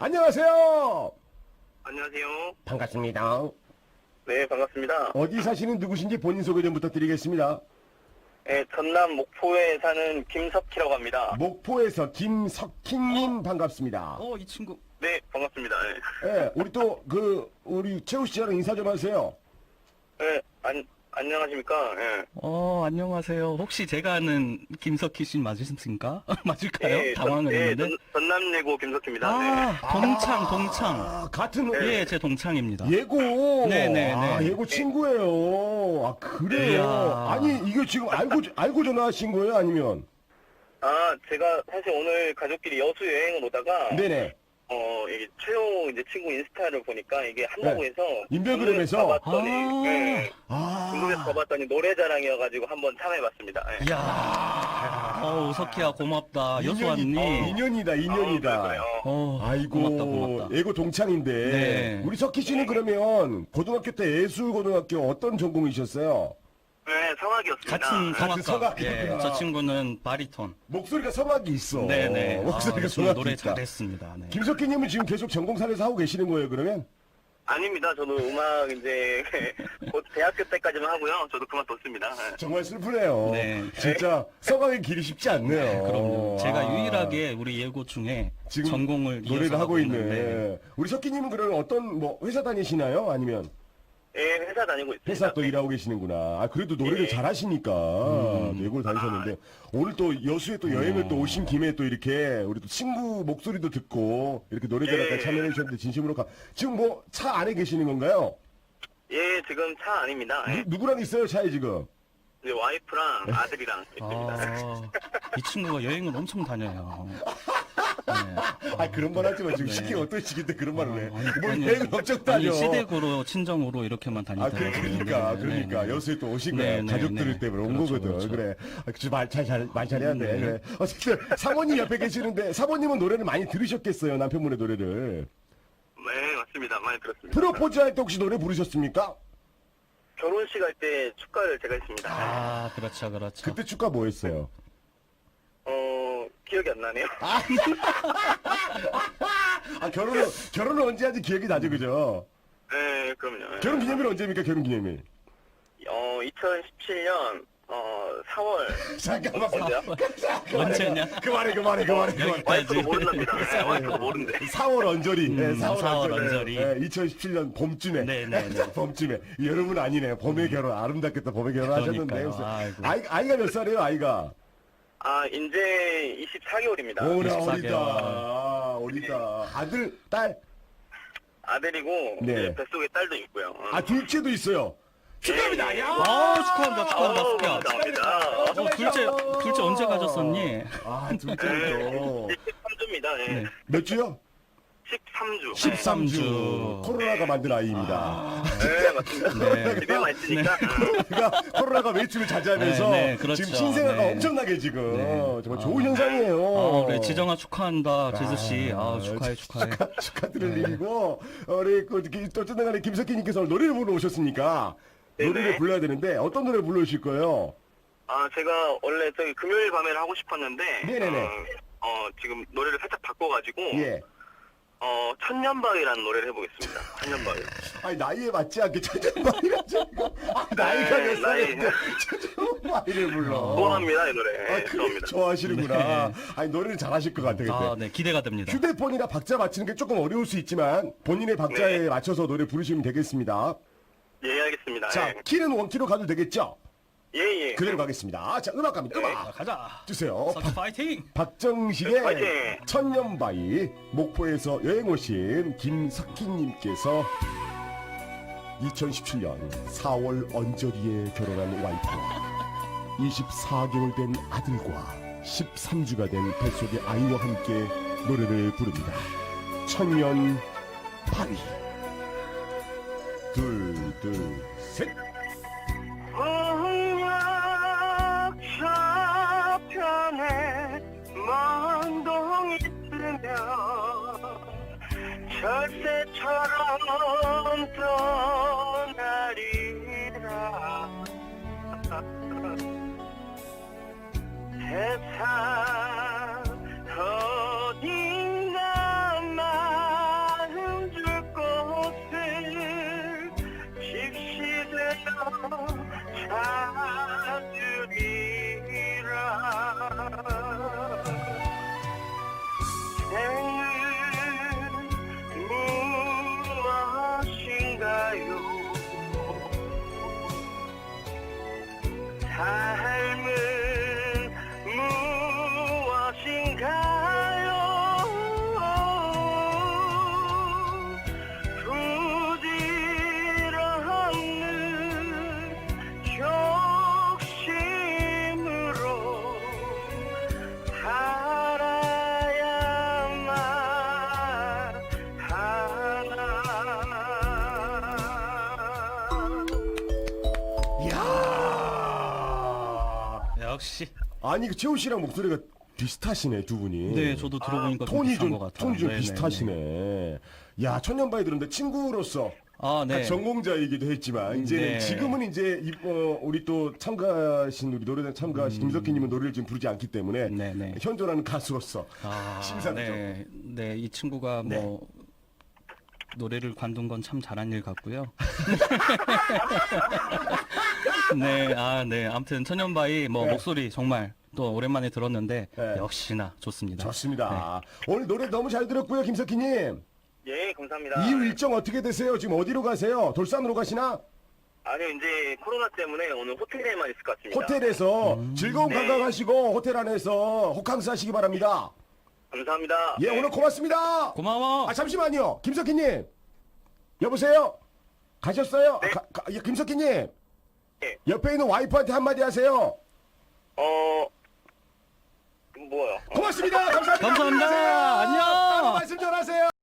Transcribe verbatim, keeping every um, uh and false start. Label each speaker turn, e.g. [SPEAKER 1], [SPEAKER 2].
[SPEAKER 1] 안녕하세요.
[SPEAKER 2] 안녕하세요.
[SPEAKER 1] 반갑습니다.
[SPEAKER 2] 네, 반갑습니다.
[SPEAKER 1] 어디 사시는 누구신지 본인 소개 좀 부탁드리겠습니다.
[SPEAKER 2] 네, 전남 목포에 사는 김석희라고 합니다.
[SPEAKER 1] 목포에서 김석희님 반갑습니다.
[SPEAKER 3] 어, 이 친구.
[SPEAKER 2] 네, 반갑습니다. 네,
[SPEAKER 1] 예, 우리 또 그 우리 최우 씨랑 인사 좀 하세요.
[SPEAKER 2] 네 안, 안녕하십니까? 네.
[SPEAKER 3] 어, 안녕하세요. 혹시 제가 아는 김석희 씨 맞으십니까? 맞을까요?
[SPEAKER 2] 네,
[SPEAKER 3] 당황을
[SPEAKER 2] 전, 네,
[SPEAKER 3] 했는데.
[SPEAKER 2] 전, 전남예고 김석희입니다. 네.
[SPEAKER 3] 아, 동창, 동창.
[SPEAKER 1] 아, 같은
[SPEAKER 3] 예, 제 동창입니다.
[SPEAKER 1] 예고.
[SPEAKER 3] 네네네.
[SPEAKER 1] 아, 예고 친구예요. 아, 그래요.
[SPEAKER 3] 이야.
[SPEAKER 1] 아니, 이거 지금 알고 알고 전화하신 거예요, 아니면?
[SPEAKER 2] 아, 제가 사실 오늘 가족끼리 여수 여행을 오다가
[SPEAKER 1] 네네.
[SPEAKER 2] 어, 이게 최호 이제 친구 인스타를 보니까 이게 한라고에서
[SPEAKER 1] 인별그램에서?
[SPEAKER 2] 가봤더니
[SPEAKER 3] 아.
[SPEAKER 2] 네,
[SPEAKER 1] 아.
[SPEAKER 2] 궁금해서 가봤더니 노래자랑이어가지고 한번 참여해봤습니다. 네.
[SPEAKER 3] 이야. 어, 우석희야, 고맙다. 여수
[SPEAKER 1] 인연이-
[SPEAKER 3] 왔니?
[SPEAKER 1] 인연이다, 인연이다.
[SPEAKER 2] 아, 그래요?
[SPEAKER 3] 어,
[SPEAKER 1] 아이고,
[SPEAKER 3] 고맙다, 고맙다.
[SPEAKER 1] 예고 동창인데.
[SPEAKER 3] 네.
[SPEAKER 1] 우리 석희 씨는 그러면 고등학교 때 예술고등학교 어떤 전공이셨어요?
[SPEAKER 2] 네, 성악이었습니다.
[SPEAKER 3] 같은
[SPEAKER 1] 같은
[SPEAKER 3] 성악가.
[SPEAKER 1] 성악.
[SPEAKER 3] 예, 저 친구는 바리톤.
[SPEAKER 1] 목소리가 성악이 있어.
[SPEAKER 3] 네네.
[SPEAKER 1] 목소리가
[SPEAKER 3] 아,
[SPEAKER 1] 성악이
[SPEAKER 3] 노래
[SPEAKER 1] 있다.
[SPEAKER 3] 잘했습니다. 네.
[SPEAKER 1] 김석희님은 지금 계속 전공사에서 하고 계시는 거예요, 그러면?
[SPEAKER 2] 아닙니다. 저도 음악 이제 곧 대학교 때까지만 하고요. 저도 그만뒀습니다. 네.
[SPEAKER 1] 정말 슬프네요.
[SPEAKER 3] 네.
[SPEAKER 1] 진짜 성악의 길이 쉽지 않네요.
[SPEAKER 3] 그럼요. 제가
[SPEAKER 1] 아,
[SPEAKER 3] 유일하게 우리 예고 중에
[SPEAKER 1] 지금
[SPEAKER 3] 전공을
[SPEAKER 1] 노래를
[SPEAKER 3] 이어서
[SPEAKER 1] 하고 있네.
[SPEAKER 3] 있는데.
[SPEAKER 1] 우리 석희님은 그러면 어떤 뭐 회사 다니시나요? 아니면
[SPEAKER 2] 예, 회사 다니고 있습니다.
[SPEAKER 1] 회사 또 일하고 계시는구나. 아, 그래도 노래를
[SPEAKER 2] 예.
[SPEAKER 1] 잘하시니까 예고를 다니셨는데 오늘 또 여수에 또 여행을 또 오신 김에 또 이렇게 우리 또 친구 목소리도 듣고 이렇게 노래자랑까지
[SPEAKER 2] 예.
[SPEAKER 1] 참여해 주셨는데 진심으로 가. 지금 뭐 차 안에 계시는 건가요?
[SPEAKER 2] 예, 지금 차 아닙니다. 예.
[SPEAKER 1] 누, 누구랑 있어요, 차에 지금?
[SPEAKER 2] 이제 와이프랑 아들이랑 있습니다.
[SPEAKER 3] 아, 이 친구가 여행을 엄청 다녀요. 네.
[SPEAKER 1] 아, 그런 말 하지 마. 지금
[SPEAKER 3] 네.
[SPEAKER 1] 시기 어떤 시기인데 그런 말을 해.
[SPEAKER 3] 아니,
[SPEAKER 1] 뭘
[SPEAKER 3] 아니,
[SPEAKER 1] 여행을 엄청 다녀.
[SPEAKER 3] 아니, 시댁으로, 친정으로 이렇게만
[SPEAKER 1] 아,
[SPEAKER 3] 다니더라고요.
[SPEAKER 1] 그, 그러니까,
[SPEAKER 3] 네,
[SPEAKER 1] 그러니까.
[SPEAKER 3] 네, 네.
[SPEAKER 1] 여수에 또 오신 거야.
[SPEAKER 3] 네, 네,
[SPEAKER 1] 가족들
[SPEAKER 3] 네.
[SPEAKER 1] 때문에 온
[SPEAKER 3] 그렇죠,
[SPEAKER 1] 거거든.
[SPEAKER 3] 그렇죠.
[SPEAKER 1] 그래. 아, 그 말, 잘, 잘, 말 잘해야 돼.
[SPEAKER 3] 네.
[SPEAKER 1] 그래. 어쨌든, 사모님 옆에 계시는데, 사모님은 노래를 많이 들으셨겠어요. 남편분의 노래를.
[SPEAKER 2] 네, 맞습니다. 많이 들었습니다.
[SPEAKER 1] 프로포즈 할 때 혹시 노래 부르셨습니까?
[SPEAKER 2] 결혼식 할 때 축가를 제가 했습니다.
[SPEAKER 3] 아, 그렇죠, 그렇죠.
[SPEAKER 1] 그때 축가 뭐 했어요?
[SPEAKER 2] 어, 기억이 안 나네요.
[SPEAKER 1] 아, 결혼을, 결혼을 언제 하지 기억이 나죠, 그죠?
[SPEAKER 2] 네, 그럼요.
[SPEAKER 1] 결혼 기념일 언제입니까, 결혼 기념일?
[SPEAKER 2] 어, 이천십칠 년 어, 사월
[SPEAKER 1] 잠깐만.
[SPEAKER 2] 언제야?
[SPEAKER 3] 언제냐?
[SPEAKER 1] 그만해, 그만해, 그만해, 그만해.
[SPEAKER 2] 와이프도 모른답니다. 네, 와이프도 모른대.
[SPEAKER 1] 사월 언저리. 네,
[SPEAKER 3] 음, 사월 언저리.
[SPEAKER 1] 네, 이천십칠 년 봄쯤에.
[SPEAKER 3] 네, 네, 네.
[SPEAKER 1] 봄쯤에. 여름은 아니네. 봄에 결혼, 아름답겠다. 봄에 결혼하셨는데.
[SPEAKER 3] 그러니까요. 아이고.
[SPEAKER 1] 아이, 아이가 몇 살이에요, 아이가?
[SPEAKER 2] 아, 이제 이십사 개월입니다.
[SPEAKER 1] 오나
[SPEAKER 3] 이십사
[SPEAKER 1] 어리다.
[SPEAKER 3] 개월.
[SPEAKER 1] 어리다. 아들, 딸?
[SPEAKER 2] 아들이고
[SPEAKER 1] 네.
[SPEAKER 2] 이제 뱃속에 딸도 있고요. 어.
[SPEAKER 1] 아, 둘째도 있어요. 축하합니다. 야!
[SPEAKER 3] 아, 축하한다, 축하한다,
[SPEAKER 2] 아우,
[SPEAKER 3] 숙야.
[SPEAKER 2] 감사합니다.
[SPEAKER 3] 어, 둘째, 둘째 언제 가졌었니?
[SPEAKER 1] 아,
[SPEAKER 2] 네,
[SPEAKER 1] 둘째도.
[SPEAKER 2] 십삼 주입니다. 네.
[SPEAKER 3] 네.
[SPEAKER 1] 몇 주요?
[SPEAKER 2] 십삼 주.
[SPEAKER 1] 십삼 주.
[SPEAKER 3] 주.
[SPEAKER 1] 코로나가 만든 아이입니다.
[SPEAKER 2] 네, 맞습니다.
[SPEAKER 3] 네.
[SPEAKER 2] 집에만 있으니까.
[SPEAKER 1] 코로나가, 코로나가 외출을 자제하면서
[SPEAKER 3] 네, 네, 그렇죠.
[SPEAKER 1] 지금 신생아가
[SPEAKER 3] 네.
[SPEAKER 1] 엄청나게 지금
[SPEAKER 3] 네.
[SPEAKER 1] 정말 좋은 현상이에요.
[SPEAKER 3] 아, 그래, 지정아 축하한다, 제수씨. 아, 축하해, 축하해.
[SPEAKER 1] 축하, 축하드릴 일이고 우리 그, 그, 어쨌든 간에 김석희님께서 노래를 부르러 오셨으니까
[SPEAKER 2] 네네.
[SPEAKER 1] 노래를 불러야 되는데 어떤 노래 불러주실 거예요?
[SPEAKER 2] 아, 제가 원래 저기 금요일 밤에를 하고 싶었는데.
[SPEAKER 1] 네네네.
[SPEAKER 2] 어, 어, 지금 노래를 살짝 바꿔가지고.
[SPEAKER 1] 예.
[SPEAKER 2] 어, 천년바위라는 노래를 해보겠습니다. 천년바위.
[SPEAKER 1] 아니 나이에 맞지 않게 천천바위라 지고 아, 나이가
[SPEAKER 2] 네,
[SPEAKER 1] 몇 살인데
[SPEAKER 2] 나이.
[SPEAKER 1] 천천바위를 불러.
[SPEAKER 2] 좋아합니다, 이 노래.
[SPEAKER 1] 아,
[SPEAKER 2] 네,
[SPEAKER 1] 그래,
[SPEAKER 2] 좋아합니다.
[SPEAKER 1] 좋아하시는구나.
[SPEAKER 3] 네.
[SPEAKER 1] 아니 노래를 잘하실 것 같아 근데.
[SPEAKER 3] 아, 네, 기대가 됩니다.
[SPEAKER 1] 휴대폰이나 박자 맞추는 게 조금 어려울 수 있지만 본인의 박자에
[SPEAKER 2] 네.
[SPEAKER 1] 맞춰서 노래 부르시면 되겠습니다.
[SPEAKER 2] 예, 알겠습니다.
[SPEAKER 1] 자,
[SPEAKER 2] 예,
[SPEAKER 1] 키는 원키로 가도 되겠죠?
[SPEAKER 2] 예. 예.
[SPEAKER 1] 그대로 가겠습니다. 자, 음악 갑니다.
[SPEAKER 3] 자,
[SPEAKER 1] 음악
[SPEAKER 3] 가자.
[SPEAKER 1] 주세요.
[SPEAKER 3] 석희 파이팅!
[SPEAKER 1] 박정식의
[SPEAKER 2] 파이팅!
[SPEAKER 1] 천년바위 목포에서 여행 오신 김석희님께서 이천십칠 년 사월 언저리에 결혼한 와이프와 이십사 개월 된 아들과 십삼 주가 된 뱃속의 아이와 함께 노래를 부릅니다. 천년바위 둘, 둘, 셋.
[SPEAKER 2] 홍역 저편에 먼 동이 쓰며 철새처럼 떠나리라 세상 어딘가만
[SPEAKER 3] 역시.
[SPEAKER 1] 아니 그 재호 씨랑 목소리가 비슷하시네 두 분이.
[SPEAKER 3] 네, 저도 들어보니까 좀
[SPEAKER 1] 톤이
[SPEAKER 3] 비슷한
[SPEAKER 1] 좀
[SPEAKER 3] 것 같아요.
[SPEAKER 1] 톤이 좀
[SPEAKER 3] 네네네.
[SPEAKER 1] 비슷하시네. 야 천년바위 들었는데 친구로서
[SPEAKER 3] 아, 네.
[SPEAKER 1] 같이 전공자이기도 했지만 이제
[SPEAKER 3] 네.
[SPEAKER 1] 지금은 이제 이- 어, 우리 또 참가하신 우리 노래단 참가하신 김석희님은 노래를 지금 부르지 않기 때문에
[SPEAKER 3] 음. 네네.
[SPEAKER 1] 현존하는 가수로서
[SPEAKER 3] 아,
[SPEAKER 1] 심사죠.
[SPEAKER 3] 네. 네, 이 친구가
[SPEAKER 1] 네.
[SPEAKER 3] 뭐 노래를 관둔 건 참 잘한 일 같고요. 네, 아, 네. 아무튼 천년바위 뭐
[SPEAKER 1] 네.
[SPEAKER 3] 목소리 정말 또 오랜만에 들었는데
[SPEAKER 1] 네.
[SPEAKER 3] 역시나 좋습니다.
[SPEAKER 1] 좋습니다. 오늘 노래 너무 잘 들었고요, 김석희님.
[SPEAKER 2] 예, 감사합니다.
[SPEAKER 1] 이후 일정 어떻게 되세요? 지금 어디로 가세요? 돌산으로 가시나?
[SPEAKER 2] 아니요, 이제 코로나 때문에 오늘 호텔에만 있을 것 같습니다.
[SPEAKER 1] 호텔에서
[SPEAKER 3] 음.
[SPEAKER 1] 즐거운
[SPEAKER 2] 네.
[SPEAKER 1] 관광하시고 호텔 안에서 호캉스 하시기 바랍니다.
[SPEAKER 2] 감사합니다.
[SPEAKER 1] 예,
[SPEAKER 2] 네.
[SPEAKER 1] 오늘 고맙습니다.
[SPEAKER 3] 고마워.
[SPEAKER 1] 아, 잠시만요. 김석희님. 여보세요? 가셨어요?
[SPEAKER 2] 네.
[SPEAKER 1] 아, 가, 가, 예, 김석희님.
[SPEAKER 2] 네.
[SPEAKER 1] 옆에 있는 와이프한테 한마디 하세요.
[SPEAKER 2] 어, 뭐요?
[SPEAKER 1] 고맙습니다. 감사합니다.
[SPEAKER 3] 감사합니다.
[SPEAKER 1] 안녕히 가세요.
[SPEAKER 3] 안녕.
[SPEAKER 1] 따로 말씀 전하세요.